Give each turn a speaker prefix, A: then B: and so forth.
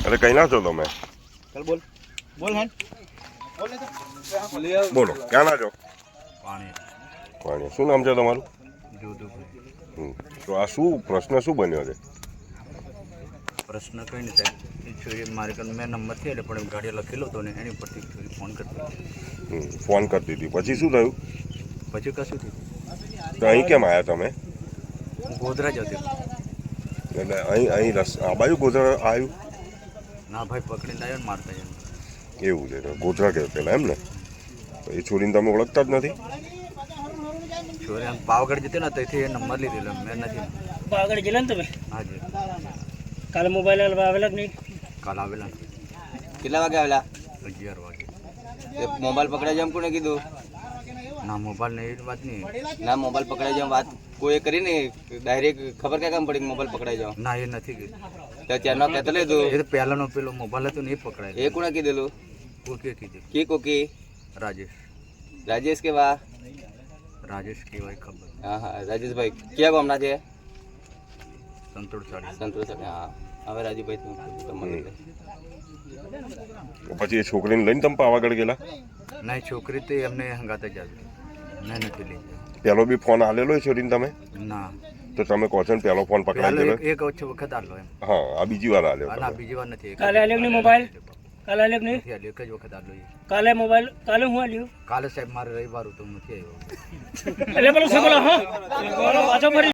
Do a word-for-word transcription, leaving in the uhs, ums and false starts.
A: અરે કઈ ના છો તમે?
B: ચાલ બોલ બોલ હે
A: બોલો ક્યાં ના છો?
B: પાણી
A: પાણી. શું નામ છે તમારું?
B: જોધુભાઈ.
A: હમ. તો આ શું પ્રશ્ન શું બન્યો છે?
B: પ્રશ્ન કંઈ નહીં સાહેબ, એ છોરી મારી કન મેં નંબર થી એટલે પણ ગાડી લખેલો હતો ને એની પરથી છોરી ફોન કરતો
A: હમ. ફોન કરતી હતી પછી શું થયું?
B: પછી કશું થયું.
A: તો અહીં કેમ આવ્યા તમે?
B: હું ગોધરા જ હતો.
A: એટલે અહીં અહીં રસ આ બાજુ ગોધરા આવ્યું?
B: ના ભાઈ પકડીને આવ્યો ને મારતા એમ.
A: એવું છે તો ગોધરા કે પેલા એમ ને? તો એ છોરીને તમે ઓળખતા જ નથી?
B: છોરી આમ પાવાગઢ જતી ને ત્યાંથી એ નંબર લીધેલો મેં નથી.
C: પાવાગઢ ગયેલા ને તમે?
B: હાજી.
C: કાલે મોબાઈલ આવેલા કે નહીં?
B: કાલ આવેલા ને
D: કેટલા વાગે આવેલા?
B: અગિયાર વાગે.
D: એ મોબાઈલ પકડાઈ જાય એમ કોને કીધું?
B: ના મોબાઈલ ને એવી વાત નહીં.
D: ના મોબાઈલ પકડાઈ જાય એમ વાત કોઈ કરી ને ડાયરેક્ટ ખબર ક્યાં કામ પડી કે મોબાઈલ પકડાઈ જાવ?
B: ના એ નથી કીધું.
D: તો ત્યારનો કહેતો લીધું
B: એ તો પહેલાનો પેલો મોબાઈલ હતો ને એ પકડાય.
D: એ કોને કીધેલું?
B: કોકે કીધું.
D: કી કોકી?
B: રાજેશ.
D: રાજેશ કે વા?
B: રાજેશ કહેવાય ખબર.
D: હા હા રાજેશભાઈ ક્યાં ગામના છે?
B: સંતોષ સાડી.
D: સંતોષ હા હવે રાજુભાઈ તું તમને
A: પછી એ છોકરીને લઈને તમે પાવાગઢ ગયેલા?
B: ના એ છોકરી તે એમને હંગાતે જ આવી. મેં નથી લઈ જાય.
A: પેલો બી ફોન આલેલો એ છોરીને તમે?
B: ના
A: તો તમે કહો છો ને પેલો ફોન પકડાઈ
B: પહેલો
A: ગયેલો?
B: એક એક ઓછો વખત આલો એમ.
A: હા આ બીજી વાર આલ્યો
B: ના
A: તમે.
B: બીજી વાર નથી. એક
C: કાલે આલ્યો કે નહીં મોબાઈલ? કાલે આલ્યો કે નહીં?
B: નથી આલ્યો, એક જ વખત આલો એ.
C: કાલે મોબાઈલ કાલે હું આલ્યું?
B: કાલે સાહેબ મારે રવિવાર હતો નથી આવ્યો.
C: એટલે પેલો સગલો હા પાછો ફરી